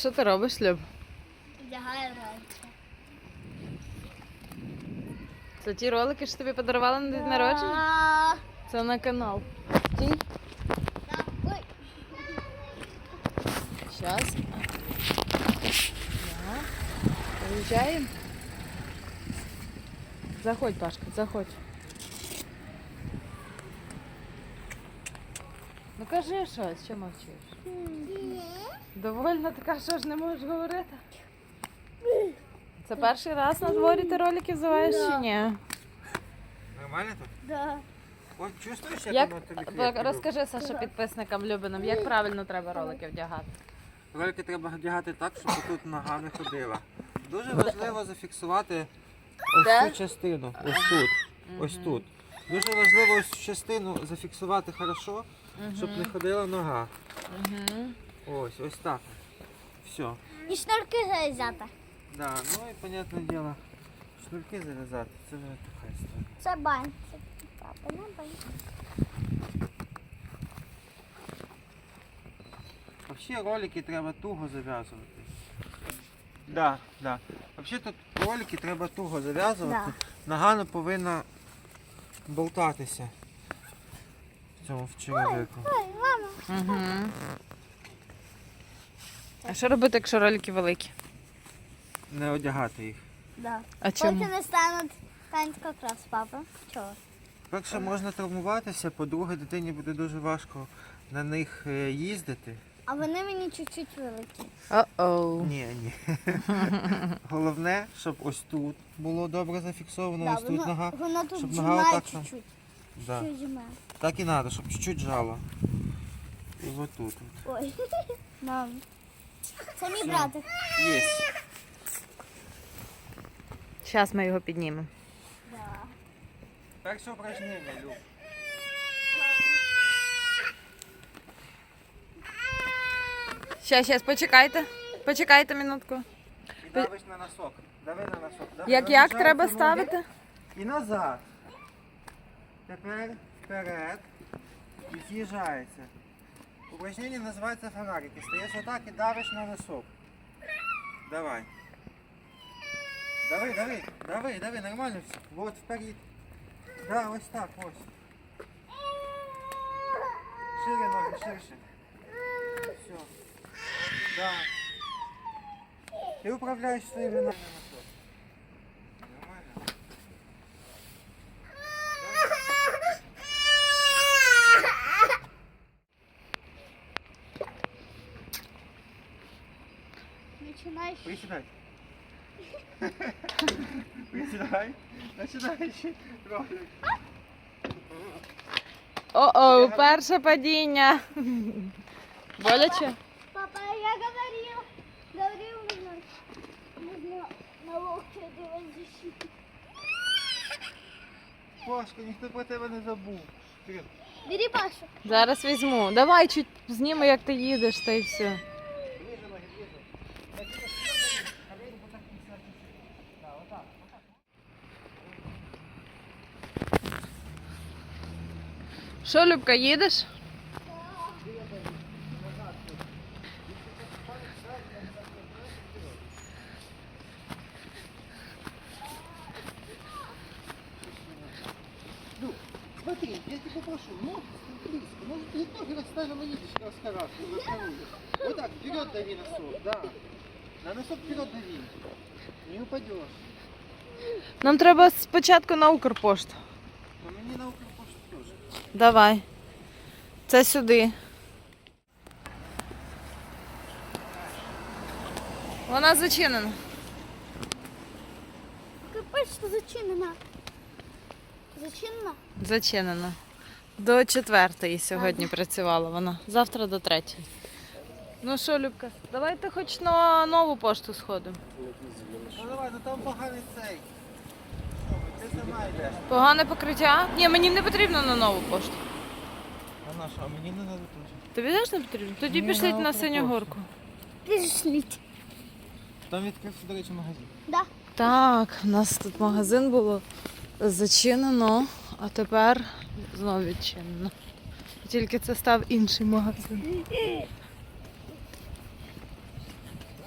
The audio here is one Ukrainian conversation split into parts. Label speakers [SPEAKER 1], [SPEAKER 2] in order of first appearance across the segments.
[SPEAKER 1] що ти робиш, Люб?
[SPEAKER 2] Вдягаю ролики.
[SPEAKER 1] Це ті ролики, що тобі подарували на день народження? Це на канал. Стій.
[SPEAKER 2] Ой.
[SPEAKER 1] Щас. Приїжджаємо. Заходь, Пашка, заходь. Ну кажи щось, що мовчиш? Довольно така, що ж не можеш говорити? Це перший раз на дворі ти ролики взиваєш чи ні?
[SPEAKER 3] Нормально тут?
[SPEAKER 2] Да.
[SPEAKER 3] От чувствуєш,
[SPEAKER 1] Як,
[SPEAKER 3] воно тобі крепко?
[SPEAKER 1] розкажи, Саша, підписникам Любинам, як правильно треба ролики вдягати?
[SPEAKER 3] Ролики треба вдягати так, щоб тут нога не ходила. Дуже важливо зафіксувати ось
[SPEAKER 1] Де?
[SPEAKER 3] цю частину. Ось тут. Ось тут. Дуже важливо ось цю частину зафіксувати хорошо, щоб не ходила нога. Ось так. Все.
[SPEAKER 2] І шнурки зав'язати.
[SPEAKER 3] Да, ну і, понятне діло, шнурки зав'язати, це вже така історія.
[SPEAKER 2] Це бань. Це папа, на бань.
[SPEAKER 3] Взагалі ролики треба туго зав'язувати. Да. Взагалі тут ролики треба туго зав'язувати. Нога не повинна болтатися в цьому черевику.
[SPEAKER 2] Ой, мама.
[SPEAKER 1] Угу. А що робити, якщо ролики великі?
[SPEAKER 3] Не одягати їх.
[SPEAKER 2] Да.
[SPEAKER 1] А чому?
[SPEAKER 2] Потім не стануть якраз папа. Чого?
[SPEAKER 3] Перше, можна травмуватися, по-друге, дитині буде дуже важко на них їздити.
[SPEAKER 2] А вони мені чуть-чуть великі.
[SPEAKER 1] О-оу.
[SPEAKER 3] Ні. Головне, щоб ось тут було добре зафіксовано, ось тут нога.
[SPEAKER 2] Воно тут
[SPEAKER 3] щоб нога
[SPEAKER 2] зжимає
[SPEAKER 3] отак,
[SPEAKER 2] чуть-чуть.
[SPEAKER 3] Да.
[SPEAKER 2] Чуть зжимає.
[SPEAKER 3] Так і треба, щоб чуть-чуть жало. І отут.
[SPEAKER 2] Ой. Мам. Це мій братик.
[SPEAKER 3] Є.
[SPEAKER 1] Зараз ми його піднімемо.
[SPEAKER 2] Да.
[SPEAKER 3] Перше упражнення, Люб.
[SPEAKER 1] Щас, почекайте. Почекайте минутку.
[SPEAKER 3] І давиш на носок. Дави на носок.
[SPEAKER 1] Як
[SPEAKER 3] Розжимаєш
[SPEAKER 1] треба
[SPEAKER 3] ноги
[SPEAKER 1] ставити?
[SPEAKER 3] І назад. Тепер вперед. І з'їжджається. Упражнення називається фонарики. Стаєш отак і давиш на носок. Давай. Дави, нормально все. Вот вперед. Да, ось так, ось. Шире ноги, ширше. Все. Да. Ти управляєш своїми ногами. Нормально.
[SPEAKER 2] Починаєш.
[SPEAKER 3] Присідай. Присідай. Починай ще ролик.
[SPEAKER 1] О-оу, перше падіння. Боляче?
[SPEAKER 2] Папа, я говорил, нужно на локте делать защиту.
[SPEAKER 3] Пашка, ніхто про тебе не забув. Вперед.
[SPEAKER 2] Бери Пашу.
[SPEAKER 1] Зараз візьму. Давай чуть зніми, як ти їдеш, та й все.
[SPEAKER 3] Ближе ноги, ближе. Колени вот так не чуть-чуть. Да, вот так.
[SPEAKER 1] Що, Любка, їдеш?
[SPEAKER 3] Смотри, я тебя попрошу, ноги близко. Может, ты ноги расставим и едешь раскараться. Вот так, вперед дави носок, да. На носок вперед дави. Не упадешь.
[SPEAKER 1] Нам треба спочатку на Укрпошту.
[SPEAKER 3] Но мне на Укрпошту тоже.
[SPEAKER 1] Давай. Це сюди. Вона зачинена.
[SPEAKER 2] Почта зачинена. Зачинена?
[SPEAKER 1] Зачинена. До 4:00 сьогодні працювала вона. Завтра до 3:00. Ну що, Любка, давайте хоч на нову пошту сходимо.
[SPEAKER 3] Ну давай, ну там поганий цей. Ти сама йдеш.
[SPEAKER 1] Погане покриття? Ні, мені не потрібно на нову пошту.
[SPEAKER 3] А на що? А мені не треба теж.
[SPEAKER 1] Тобі теж не потрібно? Тоді
[SPEAKER 3] Ні,
[SPEAKER 1] пішліть
[SPEAKER 3] на
[SPEAKER 1] на
[SPEAKER 3] Укрпошту.
[SPEAKER 1] Синю горку.
[SPEAKER 2] Пішліть.
[SPEAKER 3] Там відкрився, до речі, магазин.
[SPEAKER 2] Да.
[SPEAKER 1] Так, у нас тут магазин було зачинено, а тепер знову відчинено. Тільки це став інший магазин.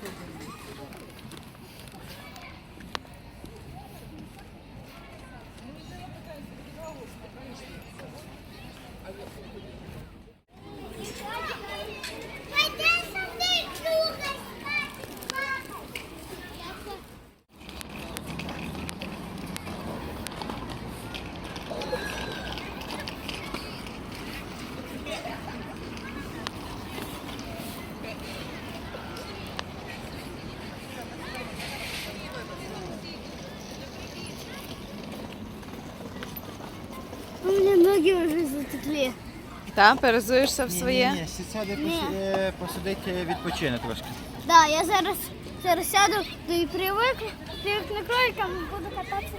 [SPEAKER 2] У меня ноги уже затекли.
[SPEAKER 1] Та, перезуєшся в своє?
[SPEAKER 3] Ні, сяде посидити, відпочине трошки.
[SPEAKER 2] Да, я зараз сяду і привикну кроликам і буду кататися.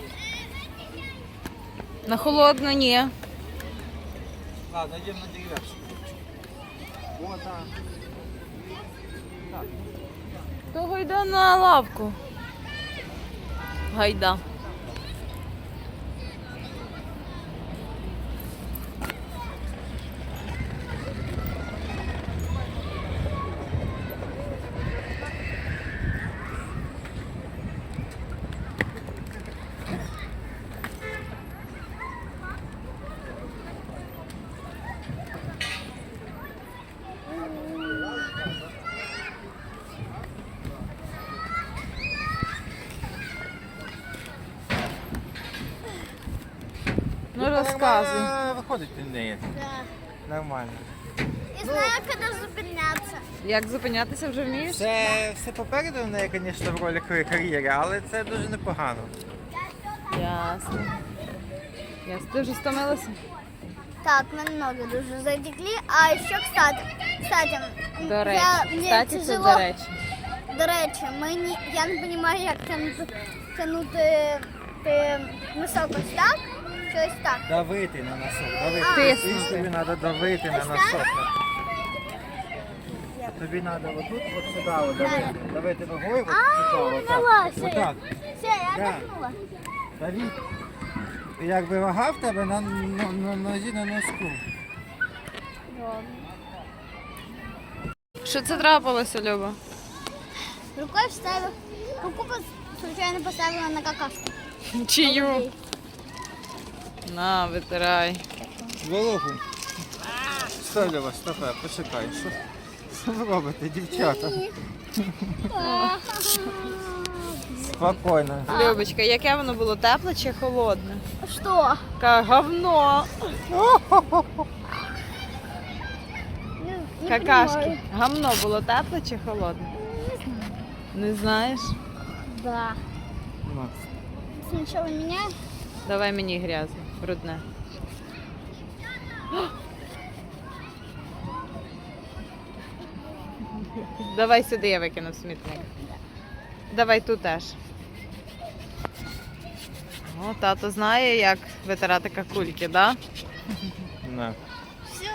[SPEAKER 1] На холодно ні.
[SPEAKER 3] Ладно, йдемо на дерев'яшку. О, так.
[SPEAKER 1] То гайда на лавку. Гайда. Ну розказуй.
[SPEAKER 3] Виходить від неї.
[SPEAKER 2] Да.
[SPEAKER 3] Нормально.
[SPEAKER 2] І знаю, коли зупинятися.
[SPEAKER 1] Як зупинятися вже вмієш?
[SPEAKER 3] Це все попереду в неї, звісно, в роликовій кар'єрі, але це дуже непогано.
[SPEAKER 1] Ясно. Ясно. Ти вже стомилася?
[SPEAKER 2] Так, мене ноги дуже затекли. А ще, кстати,
[SPEAKER 1] До речі.
[SPEAKER 2] мені
[SPEAKER 1] Кстати, це
[SPEAKER 2] тяжело.
[SPEAKER 1] до речі.
[SPEAKER 2] До речі, я не розумію, як тягнути носок ось так, чи ось так.
[SPEAKER 3] Давити на носок, давити.
[SPEAKER 1] Тиснути.
[SPEAKER 3] І тобі треба давити на
[SPEAKER 2] Ось так?
[SPEAKER 3] носок. Тобі треба отут, от сюди, от давити. Давити ногою, от сюди, отак. Отак.
[SPEAKER 2] Все, я
[SPEAKER 3] Да.
[SPEAKER 2] отдохнула.
[SPEAKER 3] Давіть. І якби вага в тебе на нозі, на носку.
[SPEAKER 1] Що це трапилося, Люба?
[SPEAKER 2] Рукой вставила, руку случайно поставила на какашку.
[SPEAKER 1] Чию? На, витирай.
[SPEAKER 3] Вологу. Стой, Льова, стопе, почекай. Що ви робите, дівчата? Спокійно.
[SPEAKER 1] Любочка, яке воно було, тепле чи холодне?
[SPEAKER 2] Что?
[SPEAKER 1] Говно.
[SPEAKER 2] Не
[SPEAKER 1] Какашки.
[SPEAKER 2] понимаю.
[SPEAKER 1] Гамно було тепле чи холодне? Не знаєш?
[SPEAKER 2] Да. Сначала меня.
[SPEAKER 1] Давай мені грязне, брудне. Давай сюди, я викину в смітник. Давай тут теж. О, тато знає, як витирати какульки, да?
[SPEAKER 3] На.
[SPEAKER 2] Все.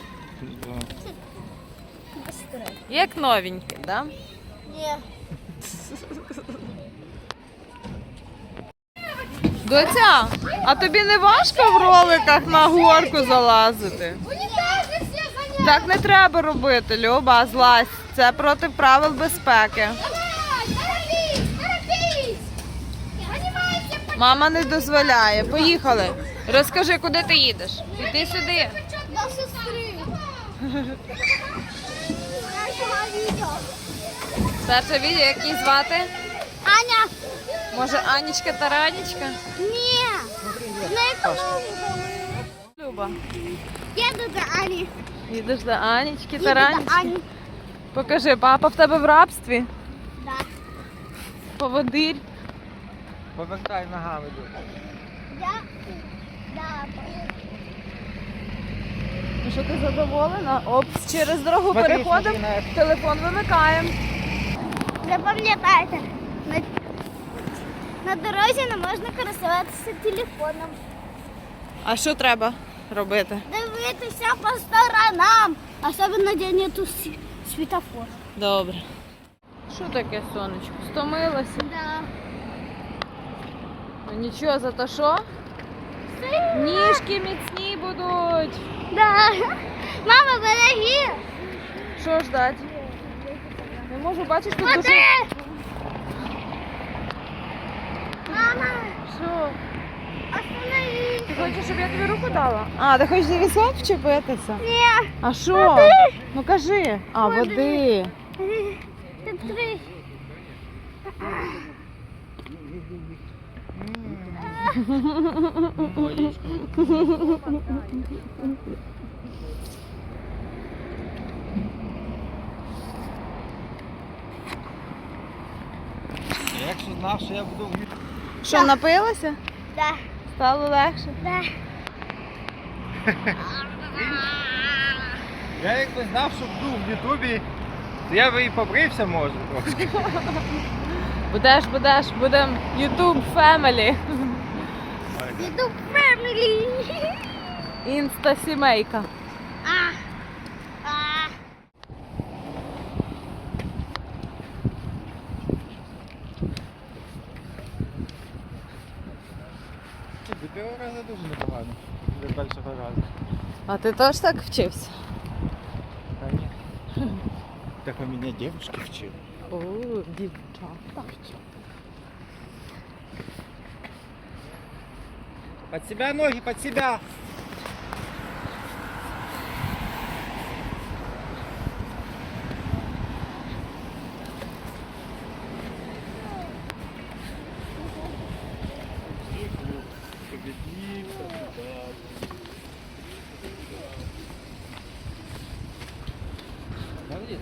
[SPEAKER 2] Быстрее.
[SPEAKER 1] Як новенький, да?
[SPEAKER 2] Не.
[SPEAKER 1] Доця, а тобі не важко в роликах на горку залазити? Так не треба робити, Люба, злазь. Це проти правил безпеки. Мама не дозволяє. Поїхали. Розкажи, куди ти їдеш? Іди сюди.
[SPEAKER 2] До сестри. Нашого відео.
[SPEAKER 1] Перше відео, як її звати?
[SPEAKER 2] Аня.
[SPEAKER 1] Може, Анічка та Ранічка?
[SPEAKER 2] Ні. На економіку.
[SPEAKER 1] Люба,
[SPEAKER 2] Їду до Ані.
[SPEAKER 1] їдеш до Анічки
[SPEAKER 2] Їду
[SPEAKER 1] та
[SPEAKER 2] до
[SPEAKER 1] Ранічки?
[SPEAKER 2] Ані.
[SPEAKER 1] Покажи, папа в тебе в рабстві?
[SPEAKER 2] Да.
[SPEAKER 1] Поводир.
[SPEAKER 3] Повертай ногами.
[SPEAKER 2] Я. Да.
[SPEAKER 1] Ну що, ти задоволена? Опс, через дорогу
[SPEAKER 3] Смотри,
[SPEAKER 1] переходимо,
[SPEAKER 3] смотри,
[SPEAKER 1] телефон вимикаємо.
[SPEAKER 2] Запам'ятайте, на дорозі не можна користуватися телефоном.
[SPEAKER 1] А що треба робити?
[SPEAKER 2] Дивитися по сторонам, особливо де нету світофора.
[SPEAKER 1] Добре. Що таке, сонечко? Стомилася?
[SPEAKER 2] Да.
[SPEAKER 1] Ну нічого, зато що? Ніжки міцні будуть.
[SPEAKER 2] Да. Мама, береги.
[SPEAKER 1] Що ждать? Не можу, бачиш, тут дуже...
[SPEAKER 2] Мама,
[SPEAKER 1] Що?
[SPEAKER 2] остановись.
[SPEAKER 1] Ти хочеш, щоб я тобі руку дала? А, ти хочеш за візок вчепитися?
[SPEAKER 2] Ні.
[SPEAKER 1] А що? Ну кажи. А, води.
[SPEAKER 2] Ти три.
[SPEAKER 3] Якщо знав, що я буду в Ютубі.
[SPEAKER 1] Що, напилася?
[SPEAKER 2] Да,
[SPEAKER 1] Стало легше?
[SPEAKER 2] да.
[SPEAKER 3] Я якби знав, що буду в Ютубі, то я би і побрився, може, трошки.
[SPEAKER 1] Будеш, будемо YouTube Family.
[SPEAKER 2] Іду фемілі.
[SPEAKER 1] Інста-сімейка.
[SPEAKER 2] А.
[SPEAKER 3] До першого разу дуже непогано. До першого разу.
[SPEAKER 1] А ти теж так вчився?
[SPEAKER 3] Та ні. Так у мене дівчинки вчили.
[SPEAKER 1] О, дівчата.
[SPEAKER 3] Под себя ноги, под себя. Молодец.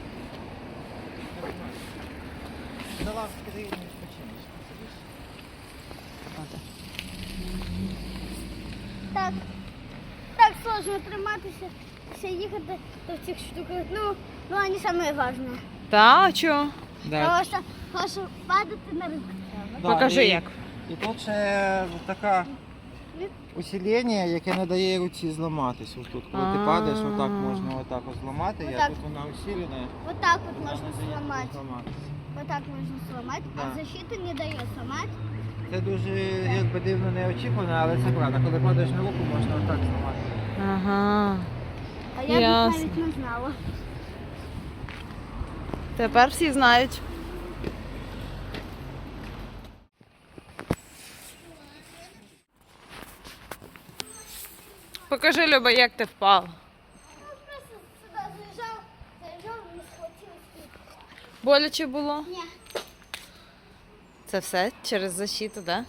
[SPEAKER 3] На лавке ты его не починишь.
[SPEAKER 2] Так. Так сложно триматися, все їхати до цих штуках. Ну вони саме важне.
[SPEAKER 1] Та, а чо?
[SPEAKER 2] Тому що падати на ринку треба.
[SPEAKER 1] Покажи як.
[SPEAKER 3] І тут ще така усилення, яке не дає руці зламатись. Ось тут, коли ти падаєш, отак можна отак ось зламати, а
[SPEAKER 2] Отак.
[SPEAKER 3] тут вона усилена.
[SPEAKER 2] Отак от
[SPEAKER 3] вона
[SPEAKER 2] можна
[SPEAKER 3] не дає
[SPEAKER 2] зламати.
[SPEAKER 3] зламатись.
[SPEAKER 2] Отак можна зламати,
[SPEAKER 3] Да.
[SPEAKER 2] а защита не дає зламати.
[SPEAKER 3] Це дуже якби дивно неочікувано, але це правда. Коли падаєш на руку, можна отак зламати.
[SPEAKER 1] Ага.
[SPEAKER 2] А я
[SPEAKER 1] Ясно.
[SPEAKER 2] навіть не знала.
[SPEAKER 1] Тепер всі знають. Покажи, Люба, як ти впав.
[SPEAKER 2] Просто сюди заїжджав, не схватилась.
[SPEAKER 1] Боляче було?
[SPEAKER 2] Ні.
[SPEAKER 1] Це все через защиту, да?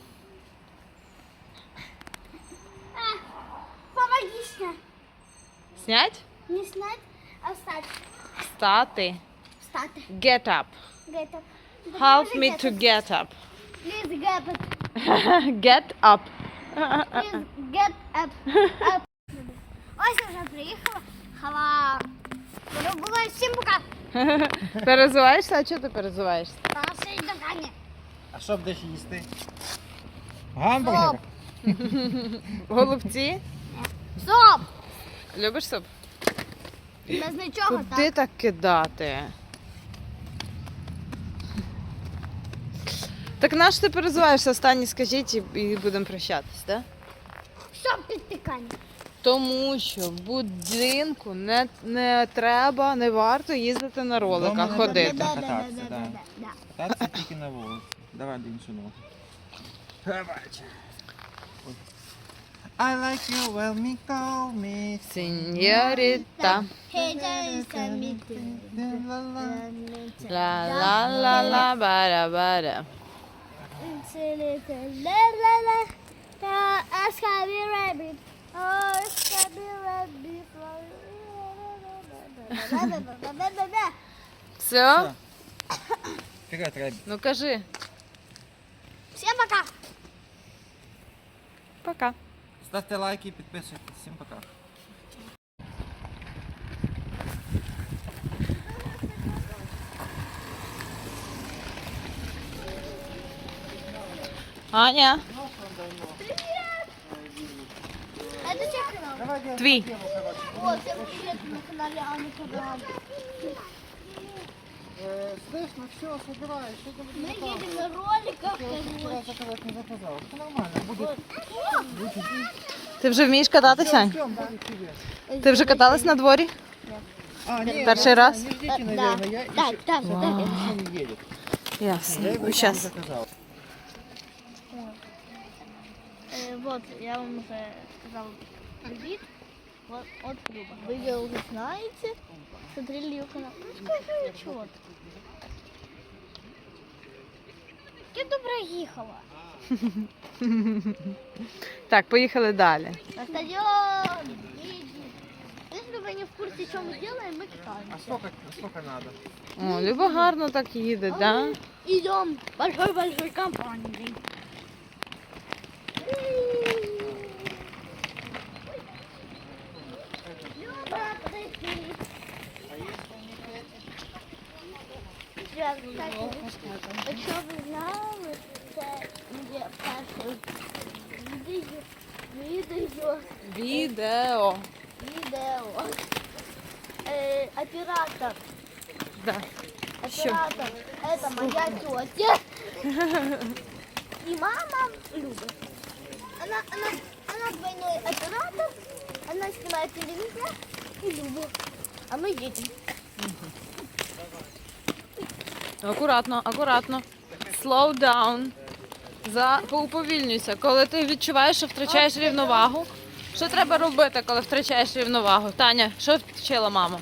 [SPEAKER 2] Помоги снять.
[SPEAKER 1] Снять?
[SPEAKER 2] Не снять, а встать.
[SPEAKER 1] Встати.
[SPEAKER 2] Встати.
[SPEAKER 1] Get up.
[SPEAKER 2] Get up.
[SPEAKER 1] Help me to get up.
[SPEAKER 2] Please get up.
[SPEAKER 1] Get up.
[SPEAKER 2] Please get up. Up. Ось я вже приїхала. Хава. Було всім пока.
[SPEAKER 1] Перезуваєшся? А чого ти перезуваєшся?
[SPEAKER 2] Та ще й до Кані.
[SPEAKER 3] А що будеш їсти? Гамбургер?
[SPEAKER 1] Голубці?
[SPEAKER 2] Стоп!
[SPEAKER 1] Любиш суп?
[SPEAKER 2] Без нічого,
[SPEAKER 1] Куди
[SPEAKER 2] так?
[SPEAKER 1] так кидати? Так на що ти перезуваєшся? Останній скажіть і будемо прощатись, так?
[SPEAKER 2] Що підтикання?
[SPEAKER 1] Тому що в будинку не треба, не варто їздити на роликах,
[SPEAKER 3] Дома не
[SPEAKER 1] ходити.
[SPEAKER 3] треба. Кататися, да. Кататися тільки на вулиці. Давай до іншого ногу. Давайте. I like you when me call me.
[SPEAKER 1] Сеньоріта.
[SPEAKER 2] Hey, there is a meeting.
[SPEAKER 1] Ла-ла-ла-ла, бара-бара. Все?
[SPEAKER 3] Вперед, Рэбби.
[SPEAKER 1] Ну кажи.
[SPEAKER 2] Всем пока!
[SPEAKER 1] Пока.
[SPEAKER 3] Ставте лайки, підписуйтесь. Всім пока.
[SPEAKER 1] Аня,
[SPEAKER 2] Это чей канал?
[SPEAKER 3] Давай делаем
[SPEAKER 1] твій.
[SPEAKER 2] О, всем привет на канале Ани Кадаван.
[SPEAKER 3] Слышь, ну все, собирай. Что ты
[SPEAKER 2] Мы едем на роликах, короче.
[SPEAKER 3] заказать не заказал. Все нормально, будет.
[SPEAKER 1] Ти вже вмієш кататися? Ань?
[SPEAKER 3] Ждем, будет тебе.
[SPEAKER 1] Ти вже каталась на дворі? Перший раз?
[SPEAKER 3] Не ждите,
[SPEAKER 2] Да.
[SPEAKER 3] наверное. Я
[SPEAKER 2] Так,
[SPEAKER 3] еще...
[SPEAKER 2] так,
[SPEAKER 3] Он
[SPEAKER 2] так.
[SPEAKER 3] еще не едет. Я
[SPEAKER 1] Ясно.
[SPEAKER 3] его еще не
[SPEAKER 1] Зараз.
[SPEAKER 3] заказал.
[SPEAKER 2] Вот, я вам уже сказал привет. Вот, от Люба. Вы ее уже знаете, смотрели ее канал. Ну, скажи, чего ты? Я добре їхала.
[SPEAKER 1] Так, поїхали далі.
[SPEAKER 2] На стадион. Едем. Если вы не в курсе, что мы делаем, мы
[SPEAKER 3] А
[SPEAKER 2] катаемся.
[SPEAKER 3] сколько надо?
[SPEAKER 1] О, Люба гарно так їде, да?
[SPEAKER 2] Идем большой-большой компанией. Люба, подожди. Сейчас, кстати, якщо ви знали, це є перше відео. Оператор.
[SPEAKER 1] Да.
[SPEAKER 2] Оператор. Это моя тетя. И мама Люба. Она двойной оператор. Она снимает телевизор и Люба. А мы едем.
[SPEAKER 1] Акуратно, акуратно. Slow down. Поуповільнюйся. Коли ти відчуваєш, що втрачаєш рівновагу. Що треба робити, коли втрачаєш рівновагу? Таня, що вчила мама?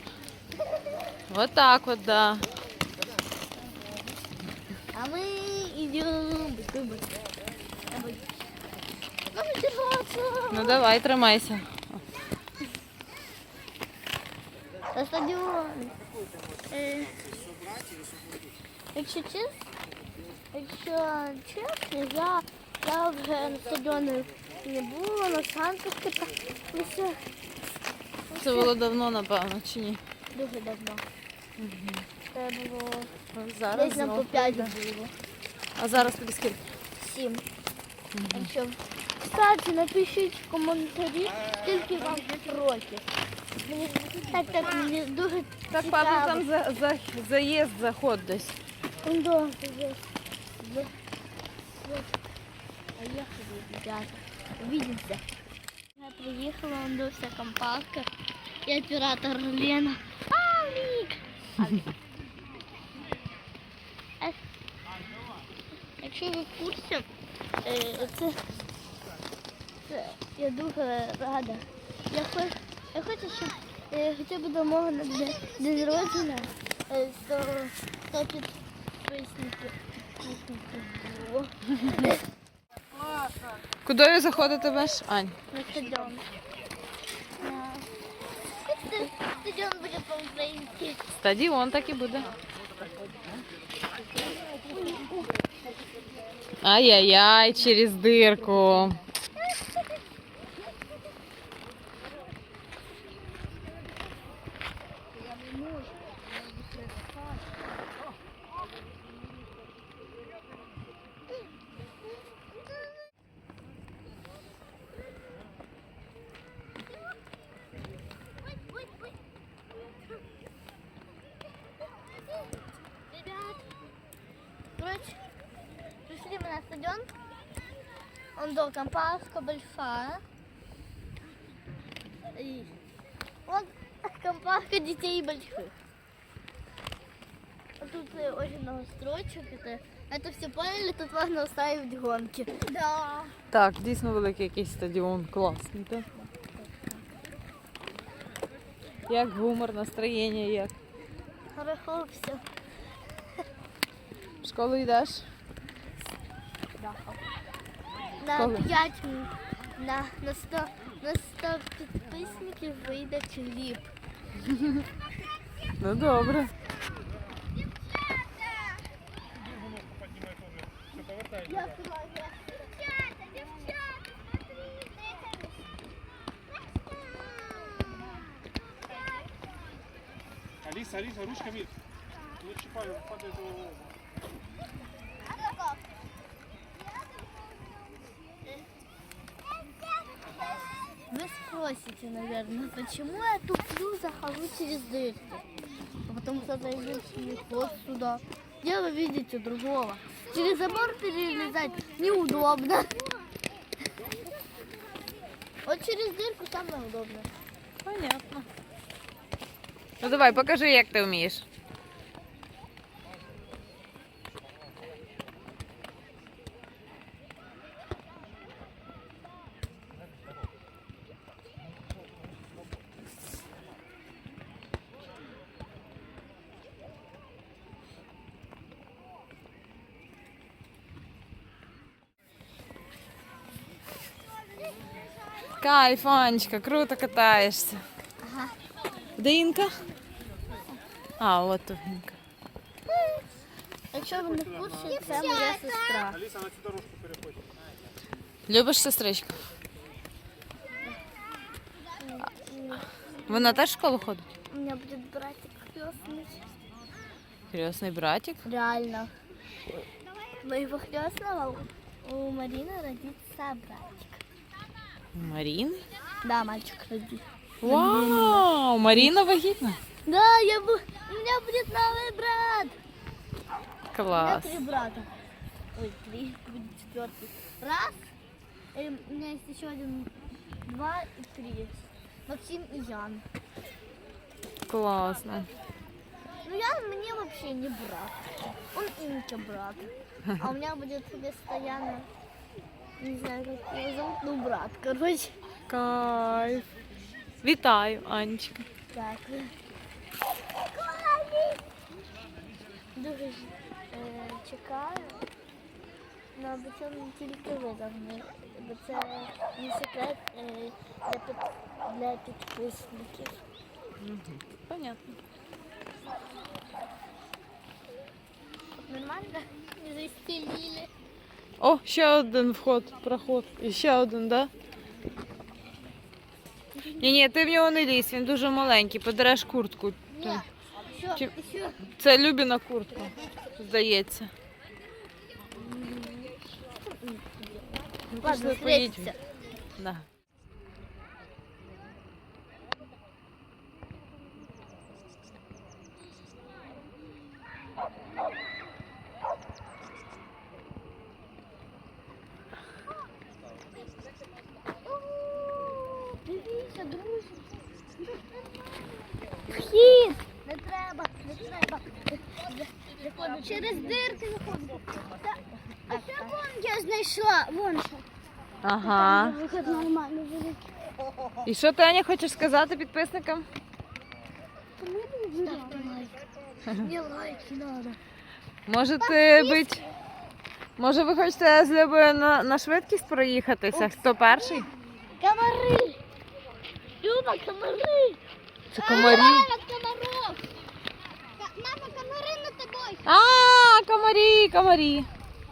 [SPEAKER 1] Отак от, да.
[SPEAKER 2] А мы идем. Давай. Надо держаться.
[SPEAKER 1] Ну давай, тримайся.
[SPEAKER 2] На стадіон. Якщо чесно, я вже на стадіоні не була, на санках каталася.
[SPEAKER 1] Це було давно, напевно, чи ні?
[SPEAKER 2] Дуже давно. Це було
[SPEAKER 1] Зараз
[SPEAKER 2] десь нам по
[SPEAKER 1] знов.
[SPEAKER 2] 5 було.
[SPEAKER 1] А зараз тобі скільки?
[SPEAKER 2] 7. Якщо... Кстати, напишіть в коментарі, скільки вам років. Мені мені дуже
[SPEAKER 1] Так,
[SPEAKER 2] цікаво.
[SPEAKER 1] папа, там заїзд, заход десь.
[SPEAKER 2] Да, поехали, ребята. Увидимся. Я приехала, он был вся компашка. И оператор Лена. Алик! Якщо ви в курсі, я дуже рада. Я хочу, щоб хоча б до мого на день народження 100 підписників.
[SPEAKER 1] Куди ви заходите веш, Ань?
[SPEAKER 2] На стадіон. Стадіон буде по-українськи.
[SPEAKER 1] Стадіон так і буде. Ай-яй-яй, через дирку.
[SPEAKER 2] Ребят, короче, пришли мы на стадион. Он до компашка большая. И вот компашка детей больших. А тут очень много строчек. Это все поняли, тут можно устраивать гонки. Да.
[SPEAKER 1] Так, дійсно великий якийсь стадіон, класний, так? Як гумор, настроєння, як?
[SPEAKER 2] Хорошо все.
[SPEAKER 1] В школу йдеш?
[SPEAKER 2] На
[SPEAKER 1] Коли?
[SPEAKER 2] 5 на 100 підписників вийде кліп.
[SPEAKER 1] Ну добре.
[SPEAKER 4] Алиса, ручками не чипай, падает его.
[SPEAKER 2] Вы спросите, наверное, почему я туплю, захожу через дырки? А потому что зайдешь вот сюда. Где вы видите другого? Через забор перелезать неудобно. Вот через дырку самое удобное.
[SPEAKER 1] Понятно. Ну давай, покажи, як ти вмієш. Кайф, Анечка, круто катаєшся.
[SPEAKER 2] Ага.
[SPEAKER 1] Де Інка? А, от тут Інка.
[SPEAKER 2] Якщо ви не в курсі, це моя сестра.
[SPEAKER 4] Алиса, на цю дорожку переходь.
[SPEAKER 1] Любиш сестричку? Вона теж в школу ходить?
[SPEAKER 2] У меня будет братик крестный.
[SPEAKER 1] Крестний братик?
[SPEAKER 2] Реально. Моего крестного у Марины родится братик.
[SPEAKER 1] Марін?
[SPEAKER 2] Да, мальчик родится.
[SPEAKER 1] Вау, Маріна вагітна?
[SPEAKER 2] Да, у меня будет новый брат. У меня
[SPEAKER 1] Клас.
[SPEAKER 2] 3 брата. Ой, 3, будет 4. Раз. И у меня есть еще 1, 2 и 3. Максим и Ян.
[SPEAKER 1] Класно.
[SPEAKER 2] Ну, Ян мне вообще не брат. Он Инке брат. А у меня будет вместо Яна, не знаю, как его зовут, ну, брат, короче.
[SPEAKER 1] Кайф. Вітаю, Анечка.
[SPEAKER 2] Так. Дуже чекаю. Ну, аби це не тільки ви завжди. Бо це не секрет для підписників.
[SPEAKER 1] Понятно.
[SPEAKER 2] Нормально? Не застелили.
[SPEAKER 1] О, ще один вход, проход. І ще один, да? Ні, ти в нього не лізь, він дуже маленький, подереш куртку.
[SPEAKER 2] Ні. Що?
[SPEAKER 1] Чи-
[SPEAKER 2] Що?
[SPEAKER 1] Це Любіна куртка, здається.
[SPEAKER 2] Ладно,
[SPEAKER 1] Пішли, поїдь.
[SPEAKER 2] встретимся.
[SPEAKER 1] Да.
[SPEAKER 2] Дивіться, друзі. Вхід! Не треба, не треба. Через дирки виходимо. А що вон я знайшла? Вон що.
[SPEAKER 1] Ага.
[SPEAKER 2] Виход нормально буде.
[SPEAKER 1] І що ти, Аня, хочеш сказати підписникам?
[SPEAKER 2] Мне лайки надо.
[SPEAKER 1] Може ви хочете з Любою на швидкість проїхатися? Хто перший?
[SPEAKER 2] Комары! Люба, комары!
[SPEAKER 1] Це комарі.
[SPEAKER 2] Мама, комаров! Мама, комары над тобой!
[SPEAKER 1] А, комарі.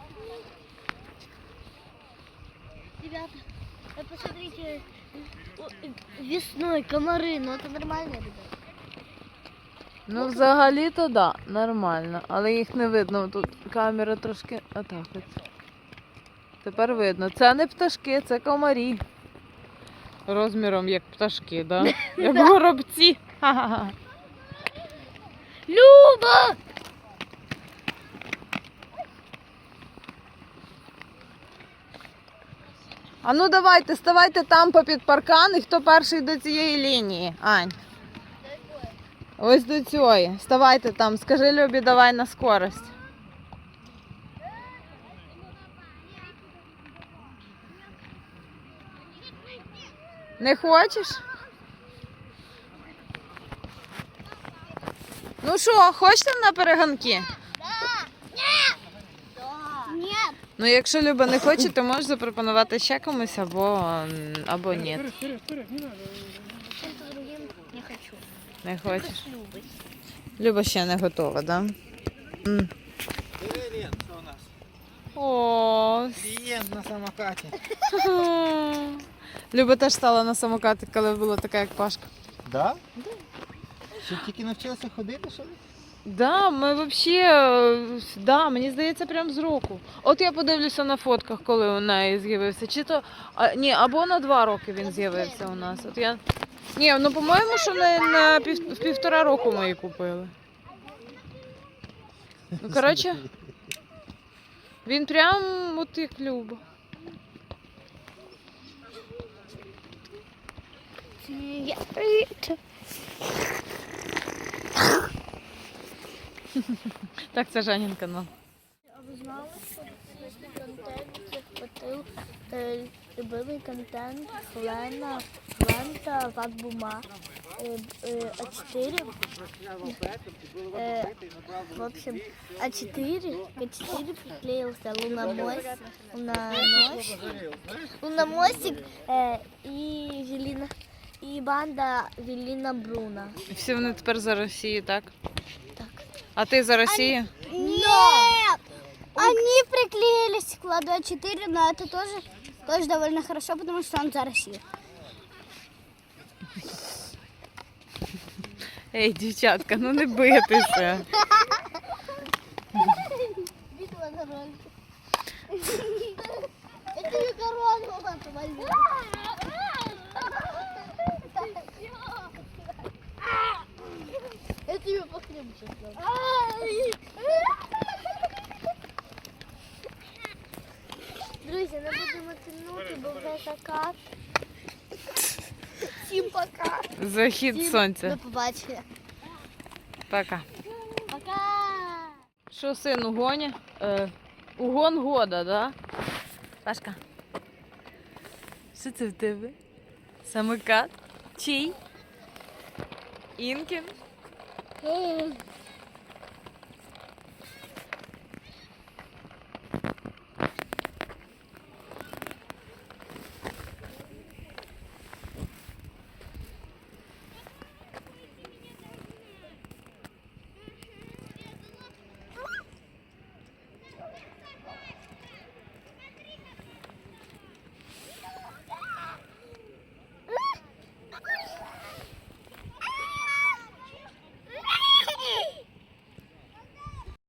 [SPEAKER 2] Ребята, посмотрите, весной комары, ну это нормально, ребята.
[SPEAKER 1] Ну, взагалі-то да, нормально, але їх не видно. Тут камера трошки отак от. Тепер видно. Це не пташки, це комарі. Розміром як пташки, да? Як горобці. Ха-ха-ха.
[SPEAKER 2] Люба!
[SPEAKER 1] А ну давайте, ставайте там попід паркан, і хто перший до цієї лінії, Ань? Ось до цієї. Ставайте там, скажи Любі, давай на скорость. Не хочеш? Ну що, хочете на перегонки?
[SPEAKER 2] Нет!
[SPEAKER 1] Ну, якщо Люба не хоче, то можеш запропонувати ще комусь або ні.
[SPEAKER 4] Вперед, не надо.
[SPEAKER 2] Чем-то другим не хочу.
[SPEAKER 1] Не хочеш.
[SPEAKER 2] С Любой.
[SPEAKER 1] Люба ще не готова, да?
[SPEAKER 3] Лен, что у нас?
[SPEAKER 1] О,
[SPEAKER 3] Клиент на самокате.
[SPEAKER 1] Люба теж стала на самокати, коли була така, як Пашка.
[SPEAKER 3] Да? Що тільки навчилася ходити, що ли?
[SPEAKER 1] Да, ми взагалі, да, мені здається, прям з року. От я подивлюся на фотках, коли у неї з'явився. Чи то, ні, або на 2 роки він з'явився у нас. От я, ні, ну по-моєму, що в 1,5 року ми її купили. Ну, коротше, він прям от як Люба. Так, це Жанін канал.
[SPEAKER 2] А ви знали, що любимий контент захватив любимий контент Лента, Ватбума, А4. В общем, К4 приклеился Луномосик и банда Велина Бруна.
[SPEAKER 1] Всі вони тепер за Росію, так?
[SPEAKER 2] Так.
[SPEAKER 1] А ти за Росію?
[SPEAKER 2] Нет! Они приклеились к Ладу А4, но это тоже довольно хорошо, потому что он за Россию.
[SPEAKER 1] Ей, дівчатка, ну не битися.
[SPEAKER 2] Битва на ролике. Это не корону надо возьму. Это ее по хлебу сейчас надо. Друзі, не будемо тягнути, бо вже закат. Всім пока.
[SPEAKER 1] Захід сонця.
[SPEAKER 2] До побачення.
[SPEAKER 1] Пока.
[SPEAKER 2] Пока.
[SPEAKER 1] Що, син, угоні? Угон года, да? Пашка. Що це в тебе? Самокат? Чий? Інкін?